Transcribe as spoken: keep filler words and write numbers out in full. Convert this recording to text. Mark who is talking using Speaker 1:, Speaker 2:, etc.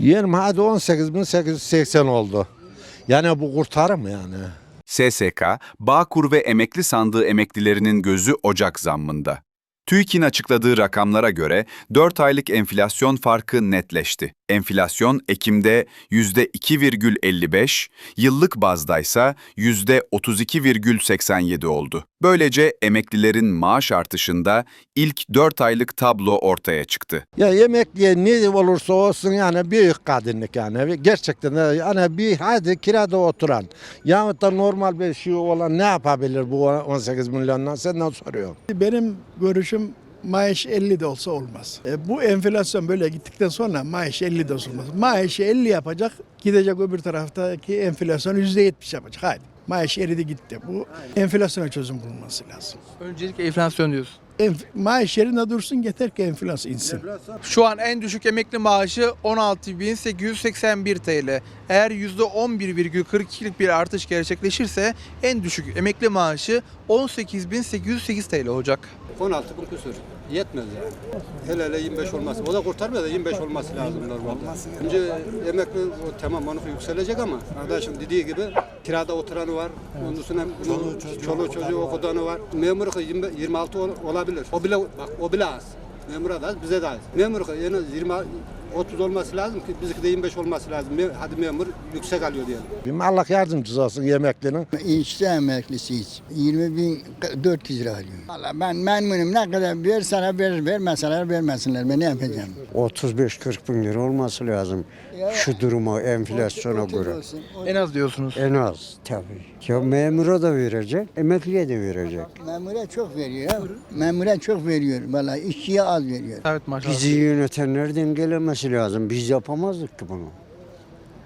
Speaker 1: Yerim hadi on sekiz bin sekiz yüz seksen oldu. Yani bu kurtarır mı yani?
Speaker 2: S S K, Bağkur ve Emekli Sandığı emeklilerinin gözü Ocak zammında. TÜİK'in açıkladığı rakamlara göre dört aylık enflasyon farkı netleşti. Enflasyon Ekim'de yüzde iki virgül elli beş, yıllık bazdaysa yüzde otuz iki virgül seksen yedi oldu. Böylece emeklilerin maaş artışında ilk dört aylık tablo ortaya çıktı.
Speaker 1: Ya emekliye ne olursa olsun yani büyük kadınlık yani. Gerçekten de yani bir hadi kirada oturan yahut da normal bir şey olan ne yapabilir bu on sekiz milyondan senden soruyorum.
Speaker 3: Benim görüşüm maaş elli de olsa olmaz. E, bu enflasyon böyle gittikten sonra maaş elli de olsa olmaz. Maaşı elli yapacak, gidecek öbür taraftaki enflasyon yüzde yetmiş yapacak. Haydi. Maaş eridi gitti. Bu enflasyona çözüm bulunması lazım.
Speaker 4: Öncelikle enflasyon diyorsun.
Speaker 3: Enf maaş yerine dursun yeter ki enflasyon insin.
Speaker 4: Şu an en düşük emekli maaşı on altı bin sekiz yüz seksen bir T L. Eğer yüzde on bir virgül kırk ikilik bir artış gerçekleşirse en düşük emekli maaşı on sekiz bin sekiz yüz sekiz T L olacak.
Speaker 5: on altı bin küsur. Yetmez yani. Hele hele yirmi beş olması. O da kurtarmıyor da yirmi beş olması lazım normalde. Önce emekli o, tamam onu yükselecek ama arkadaşım dediği gibi kirada oturanı var. Ondan sonra çoluğu çocuğu, çoluğu, çocuğu okudanı var. Memur yirmi, yirmi altı ol, olabilir. O bile bak o bile az. Memura da az, bize de az. Memur en az yirmi otuz olması lazım ki bizimki de yirmi beş olması lazım. Hadi memur yüksek alıyor diyelim.
Speaker 1: Allah yardımcısı olsun emeklinin.
Speaker 6: İşçi emeklisiyiz. yirmi bin dört yüz lira alıyorum. Valla ben memnunum. Ne kadar verseler verir, vermeseler vermesinler. Ben ne yapacağım?
Speaker 7: otuz beş kırk bin lira olması lazım. Şu duruma, enflasyona göre.
Speaker 4: En az diyorsunuz.
Speaker 7: En az tabii. Ya memura da verecek, emekliye de verecek.
Speaker 6: Memura çok veriyor. Ya. Memura çok veriyor. Valla işçiye az veriyor.
Speaker 4: Evet maşallah.
Speaker 7: Bizi yönetenler dengelemesi lazım. Biz yapamazdık ki bunu.